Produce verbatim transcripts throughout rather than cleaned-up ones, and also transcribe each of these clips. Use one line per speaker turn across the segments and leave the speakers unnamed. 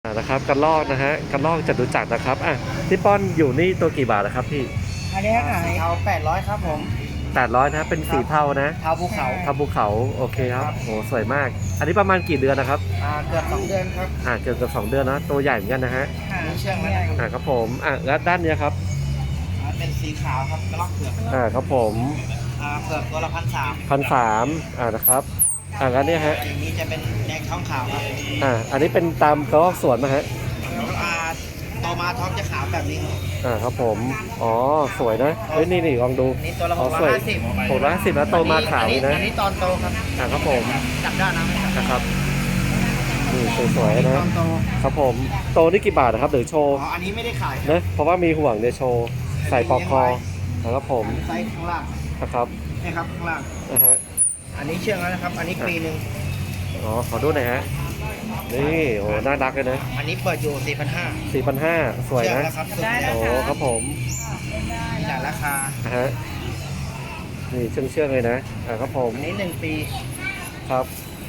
านะครับกระรอกนะฮะกระรอกจตุจักรนะครับอ่ะพี่ป้อนอยู่นี่ตัวกี่บาทนะครับพี่
อันนี้ขายเทาแปดร้อยครับผม
แปดร้อยนะเป็นสีเทานะ
เทาภูเขา
เทาภูเขาโอเคครับโอ้สวยมากอันนี้ประมาณกี่เดือนนะครับ
อ่าเกือบสองเดือนครับ
อ่าเกือบเกือบสองเดือนนะตัวใหญ่เหมือนกันนะฮะ
มีเชื่องแล้วนะ
อ่าครับผมอ่าแล้วด้านนี้ครับ
เป็นสีขาวครับกระรอกเผือก
อ่าครับผม
อ่าเผือกตัวละพันสาม
พันสามอ่านะครับอ่าแล้วเนี่ยฮะ
อย่างนี้จะเป็นแดงท้องขาวครับ
อ่าอันนี้เป็นตามกระรอกสวนมาฮะ
อ่าโตมาท้องจะขาวแบบนี้
อ่าครับผมอ๋อสวยนะเฮ้ยนี่นี่ลองดู
นี่ตัวละหกร้อยห้าสิบ
หกร้อยห้าสิบแล้วโตมาขาวนะ
อันนี้ตอนโตครับ
อ่าครับผม
จับได้นะ
นะครับนี่สวยๆนะครับผมโตนี่กี่บาทนะครับหรือโชว์
อ๋ออันนี้ไม่ได้ขาย
นะเพราะว่ามีห่วงเนี่ยโชว์ใส่ปอกคอนะครับผม
ไซส์ข้างล่าง
นะครับ
นี่ครับข้างล่าง
นะฮะ
อันนี้เชื่องแล้วนะครับอันนี้ปีหนึ่ง
อ๋อขอดูหน่อยฮะนี่โอ้น่ารักเลยนะ
อันนี้เปิดอยู่สี่พันห้า
สี่พันห้าสวยนะโอ้ครับผม
มีหลายราคา
ฮะนี่เชื่องเชื่องเลยนะอ่าครับผม
อันนี้หนึ่งปี
ครับ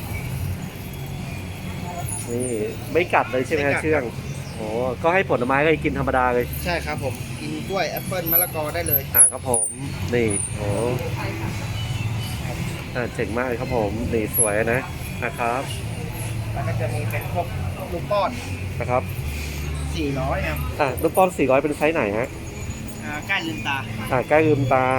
นี่ไม่กัดเลยใช่ไหมฮะเชื่องโอ้ก็ให้ผลไม้ก็กินธรรมดาเลย
ใช่ครับผมกินกล้วยแอปเปิ้ลมะละกอได้เลย
อ่าครับผมนี่โอ้อ่าเจ๋งมากเลยครับผมนี่สวยนะนะครับ
แล้วก็จะมีเป็นพวกลูกป้อน
นะครับ
สี่ร้อยครับ
อ่าลูกป้อนสี่ร้อยเป็นไซส์ไหนฮะ
อ่าใกล้ลืมตา
อ่าใกล้ลืมตา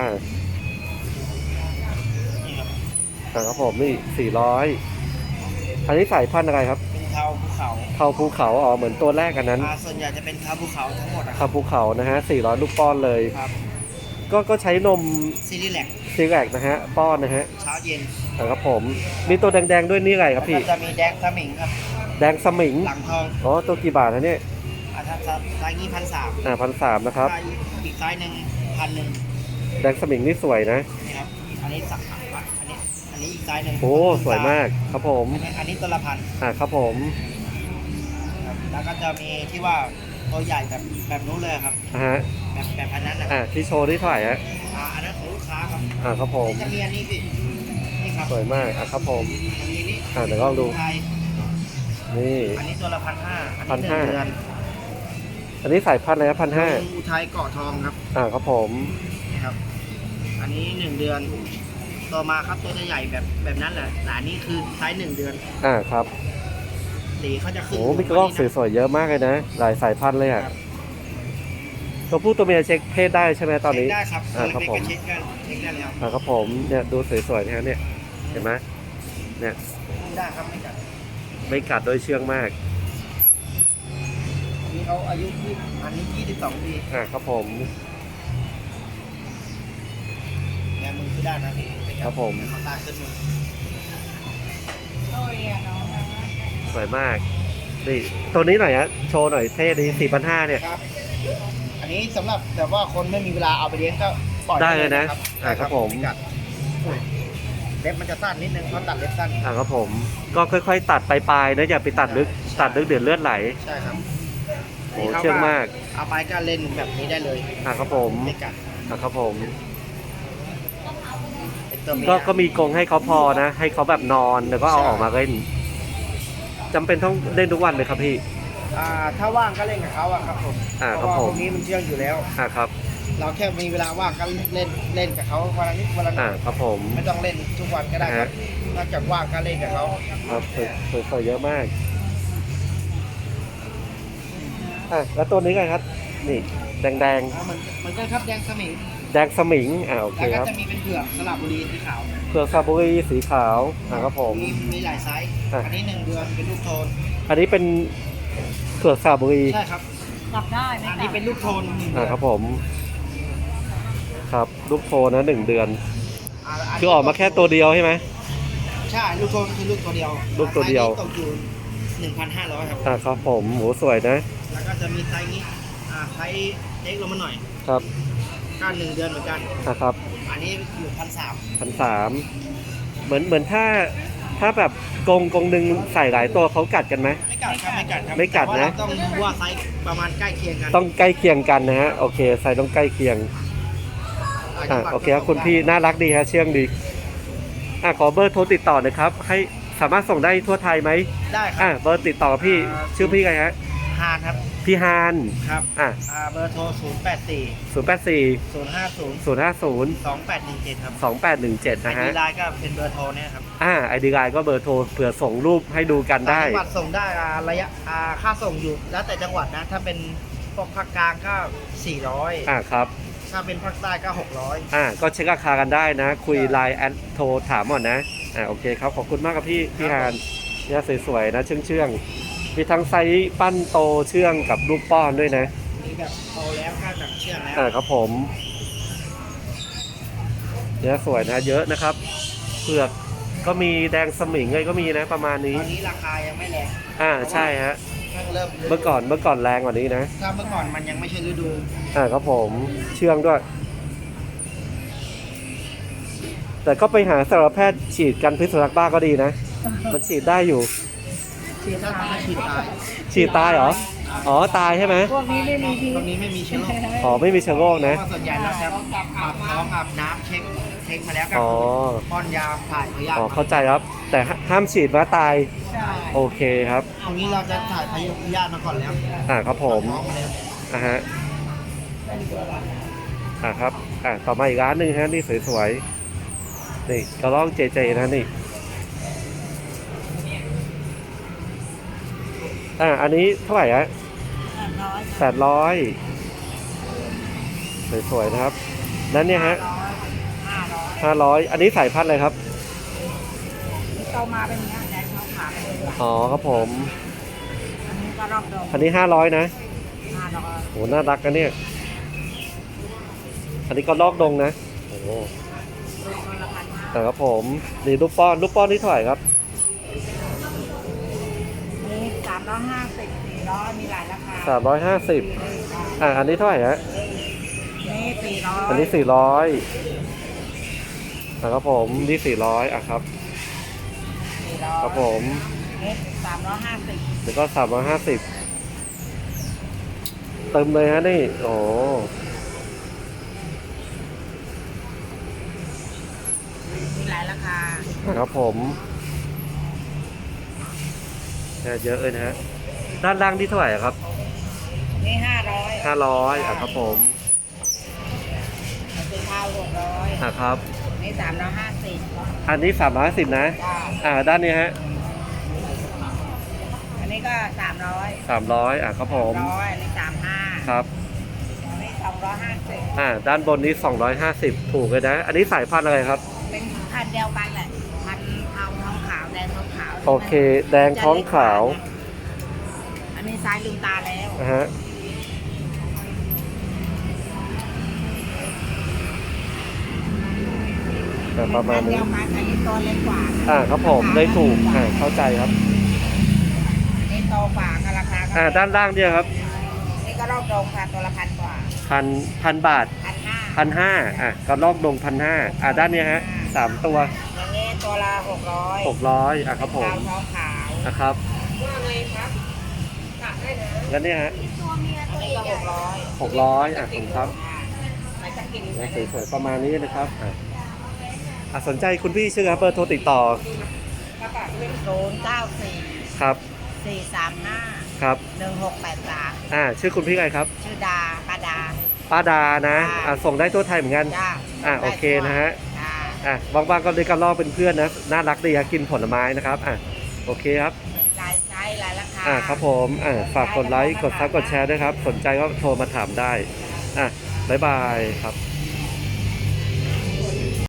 อ่าครับผมนี่สี่ร้อยอันนี้สายพันธุ์อะไรครับ
เป็นเทาภูเขา
เทาภูเขาอ๋อเหมือนตัวแรกกันนั้น
อ่าส่วนใหญ่จะเป็นเทาภูเขาทั้งหมด
เทาภูเขานะฮะสี่ร้อยลูกป้อนเลย
ครับ
ก็ก็ใช้นม
ซีรีแลก
ซีรีแลกนะฮะป้อนนะฮะ
เช้าเย็น
ครับผมมีตัวแดงๆด้วยนี่อะไรครับพี่
จะมีแดงสมิงครับ
แดงสมิง
หลังทอง
อ๋อตัวกี่บาทนะเนี่ย
อ่าถ้าไซส์นี้พันสาม
อ่าพันสามนะครับ
อีกไซส์หนึ่งพันหนึ่ง
แดงสมิงนี่สวยนะ
นี่ครับอันนี้สักอันนี้อันนี้อีกไซส์หนึ่ง
โอ้สวยมากครับผม
อันนี้ตัวละพัน
อ่าครับผม
แล้วก็จะมีที่ว่าตัวใหญ่แบบแบบนู้นเลยครับ
ฮะ
แบบแบบอันนั้นนะ
อ่าที่โชว์ที่เท่าไหร่ฮะ
อ่าอันนั้นของลูกค้าครับ
อ่าครับผม
จะมีอันนี้สินี่ครับ
สวยมากอ่ะครับผม
อันนี้นี่
อ่าเดี๋ยวลองดูนี่
อันนี้ตัวละพันห้า
พันห้าอันนี้สายพันธุ์อะไรครับพันห้า
อุทัยเกาะทองครับ
อ่าครับผม
นี่ครับอันนี้หนึ่งเดือนต่อมาครับตัวจะใหญ่แบบแบบนั้นแหละแต่อันนี้คือไซส์หนึ่งเดือน
อ่าครับ
สีเขาจะขึ้น
โอ้มีกระรอกสวยๆเยอะมากเลยนะหลายสายพันธุ์เลยอ่ะตัวผู้ตัวเมียเช็คเพศได้ใช่ไหมตอนนี้
ได้ครับ
อ่าครับผม
เช็คกันเช็คได้แล้ว
อ่าครับผมเนี่ยดูสวยๆนะเนี่ยเห็นไหมเนี่ย
ได้ครับไม่กัด
ไม่กัดโดยเชื่องมาก
อันนี้เขาอายุที่อันนี้ยี่สิบสองปี
อ่าครับผม
แงมือขึ้นได้นะพี่
ครับผม
เขาตาขึ้นมือ
สวยมากนี่ตัวนี้หน่อยฮะโชว์หน่อยเท่ดีสี่พันห้าเนี่ย
ครับอันนี้สำหรับแบบว่าคนไม่มีเวลาเอาไปเลี้ยงก็ปล่อย
ได้เลยนะอ่าครับผม
เล็บมันจะสั้นนิดนึงเพราะตัดเล็บสั้น
อ่าครับผมก็ค่อยๆตัดปลายๆนะอย่าไปตัดลึกตัดลึกเดือดเลือดไหล
ใช่ครับ
โอ้เชื่องมาก
เอาไปก็เล่นแบบนี้ได้เลย
อ่าครับผม
ไม่กัด
อ่าครับผมก็ก็มีกรงให้เขาพอนะให้เขาแบบนอนแล้วก็เอาออกมาเล่นจำเป็นต้องเล่นทุกวันเลยครับพี่
อ่าถ้าว่างก็เล่นกับเขาอะครับผม
อ่าครับผม
ตรงนี้มันเชื่องอยู่แล้ว
อ่าครับ
เราแค่มีเวลาว่างก็เล่นเล่นกับเขาวันละนิดวันละหน่อย
ครับผม
ไม่ต้องเล่นทุกวันก็ได้ครับนอกจากว่างก็เล่นกับเขา
ครับสวยๆเยอะมากอ่ะแล้วตัวนี้ไงครับนี่แดง
ๆเหมือนกันครับแดงสมิง
แดงสมิงอ่าโอเคครับ
แล้วก็จะมีเป็นเผือกสระบุรีสีขาว
เผือกสระบุรีสีขาวอ่าครับผม
มีมีหลายไซส์อันนี้หนึ่งเดือนเป็นลูกโทน
อันนี้เป็นเผือกสระบุรี
ใช่ครับกลับได้อันนี้เป็นลูกโทน
อ่าครับผมครับลูกโทนนะหนึ่งเดือนคือออกมาแค่ตัวเดียวใช่ไหม
ใช่ลูกโทนคือลูกตัวเดียว
ลูกตัวเดียว
ตกอยู่หนึ่งพันห้าร้อยครับ
อ่าครับผมหมูสวยนะ
แล้วก็จะมีไซส์นี้อ่าไซส์เล็กลงมาหน่อย
ครับ
ก็หนึ่งเดือนเหมือนกัน
นะครับ
อันนี้อยู่พันสาม
พันสามเหมือนเหมือนถ้าถ้าแบบกรงกรงหนึ่งใส่หลายตัวเขากัดกันไหม
ไม่กัดครับไม่กัดครับ
ไม่กัดนะ
ต้องดูว่าไซส์ประมาณใกล้เคียงกัน
ต้องใกล้เคียงกันนะฮะโอเคไซส์ต้องใกล้เคียงอ่าโอเคครับคุณพี่น่ารักดีฮะเชื่องดีอ่าขอเบอร์โทรติดต่อหน่อยครับให้สามารถส่งได้ทั่วไทยไหม
ได้ครับ
อ่าเบอร์ติดต่อพี่ชื่อพี่ไงฮะ
ฮานครับ
พี่ฮาน
ครับ
อ่ะ
อ่าเบอร์โทรศูนย์แปดสี่
ศูนย์แปดสี่
ศูนย์ห้าศูนย์
ศูนย์ห้าศูนย์
สองแปดหนึ่งเจ็ดครับ
สองแปดหนึ่งเจ็ด
ไอ
นะ
ดี
ฮะ
ไลน์ก็เป็นเบอร์โทรเนี่ยครับ
อ่าไอดีไลน์ก็เบอร์โทรเผื่อส่งรูปให้ดูกันได้
ต่างจังหวัดส่งได้อ่าระยะอ่าค่าส่งอยู่ แล้วแต่จังหวัดนะ ถ้าเป็นพวกภาคกลางก็สี่ร้อย
อ่าครับ
ถ้าเป็นภาคใต้ก็หกร้อย
อ่าก็เช็คราคากันได้นะ คุยไลน์แอดโทรถามก่อนนะอ่าโอเคครับขอบคุณมากครับพี่พี่ฮานเนี่ยสวยๆนะเชื่องเชื่องๆมีทั้งไซส์ปั้นโตเชื่องกับลูกป้อนด้วยนะ
มีแบบโตแล้วก็แบบเชื่องแล้ว
อ่าครับผมเนี่ยสวยนะเยอะนะครับเผือกก็มีแดงสมิงเลยก็มีนะประมาณ
ต
นี้
อนนี้ราคายังไม่แรง
อ่าใช่ฮะ
เพิ่งเริ่ม
เมื่อก่อนเมื่อก่อนแรงกว่านี้นะ
ถ้าเมื่อก่อนมันยังไม่ใช่ฤดู
อ่าครับผมเชื่องด้วย แต่ก็ไปหาสัตวแพทย์ฉีดกันพิษสุนัขบ้าก็ดีนะ มันฉีดได้อยู่
ฉีดถ้าทำให้ฉีดตาย
ฉีดตายเหรอ อ๋อตายใช่ไหม
พวกนี้ไม่มีพิษ
ตรงนี้ไม่มีเชื้อโรค
อ๋อไม่มีเชื้อโรค
เพ
นะ
ราะว่าส่วนใหญ่เราจะอาบท้องอาบน้ำเช็คเช็คมาแล้วก็
อ๋อ
ป้อนยาถ่ายพยาธิ
อ๋อเข้าใจครับ แต่ห้ามฉีดว่าตาย
ใช่
โอเคครับ
ตรงนี้เราจะถ่ายพยาธิมาก่อนแล้ว
อ่าครับผม
ท้องมาแล้ว
อ่าฮะอ่าครับอ่าต่อมาอีกร้านหนึ่งฮะนี่สวยๆนี่กระรอกเจเจนะนี่อ่าอันนี้เท่าไหร่ฮะ
แปดร้อย
แปดร้อยสวยๆนะครับนั้นเนี่ยฮะ
ห้าร้อย
ห้าร้อยอันนี้สายพันธุ์อะไรครับ
ที่โตมาเป็นอย่างเงี้ยแดงเขาขาไปเลย
อ๋อครับผม
อันนี้ก็รอบดง
อันนี้ห้าร้อยนะ
ห้าร้อย
โหน่ารักนะเนี่ย อันนี้ก็ลอกดงนะโอ้โห
คนละพันห้า
แต่ครับผมนี่ลูกป้อนลูกป้อนนี่เท่าไหร่ครับ
นี่สามร้อยห้าสิบสี่ร้อยมีหลายราคา
สามร้อยห้าสิบอ่าอันนี้เท่าไหร่ฮะ
นี่สี่ร้อย
อันนี้สี่ร้อยอ่าครับผมนี่สี่ร้อยอ่ะครับ
สี่ร้อย
ครับผม
นี่สามร้อยห้าสิบ
แล้วก็สามร้อยห้าสิบเติมเลยฮะนี่โอ้
มีหลายราคา
ครับผมเนี่ยเยอะเลยนะฮะด้านล่างที่เท่าไหร่อะครับ
นี่ห้าร้อย
ห้าร้อยอ่ะครับผม
สีเทาหกร้อย
อ่ะครับ
นี่สามร้อยห้าสิบ
อันนี้สามร้อยสิบนะ
จ้า
อ่าด้านนี้ฮะ
อันนี้ก็สามร้อย
สามร้อยอ่ะครับผม
ร้อยอันนี้สามห้า
ครับ
อันนี้สองร้อยห้าสิบ
อ่าด้านบนนี้สองร้อยห้าสิบถูกเลยนะ อันนี้สายพันธุ์อะไรครับ
เป็นพันธุ์เดียวกันแหละ พันธุ์เทาท้องขาวแดงท้องขาว
โอเค แดงท้องขาว
อันนี้ซ้ายลืมตาแล้ว
นะฮะอ่ะประมาณ
พันธุ์
นี้
เดียวกันอันนี้ตัวเล็กกว่า
อ่าครับผมได้ถูกอ่าเข้าใจครับ
อันนี้โตกว่าก็ราคาก็
อ่าด้านล่างเนี่ยครับ
นี่ก็รอบตรงค่ะตัวละพันกว่า
พันพันบาท
พันห้า
พันห้าอ่ะก็ลอกดงพันห้าอ่ะด้านเนี้ยฮะสามตัว
อย่างนี้ตัวละหกร้อย
หกร้อยอ่ะครับผม
ขาวท้องขาว
นะครับ
ว่าไงครับตัดได้นะ
แล้วเนี่ยฮะ
ตัวเมียตัวนี้ก็หกร้อย
หกร้อยอ่ะผมครับ
ไหนจะกิน
เนี่ยสวยๆประมาณนี้นะครับอ่ะอ่ะสนใจคุณพี่ชื่อครับเบอร์โทรติดต่อ
ก็ตัดเป็นศูนย์เก้าสี่
ครับ
สี่สามห้า
ครับ
หนึ่งหกแปดสาม
อ่าชื่อคุณพี่อะไรครับ
ชื่อดาป้าดา
ป้าดานะ
ค่ะ
อ่ะส่งได้ทั่วไทยเหมือนกัน
จ้า
อ่ะโอเคนะฮะ
จ้า
อ่ะว่างๆก็เลยกันลอกเป็นเพื่อนนะน่ารักดีครับกินผลไม้นะครับอ่ะโอเคครับ
หลายไซส์หลายราคา
อ่าครับผมอ่าฝากกดไลค์ กดซับกดแชร์ด้วยครับ สนใจก็โทรมาถามได้ อ่ะบ๊ายบายครับ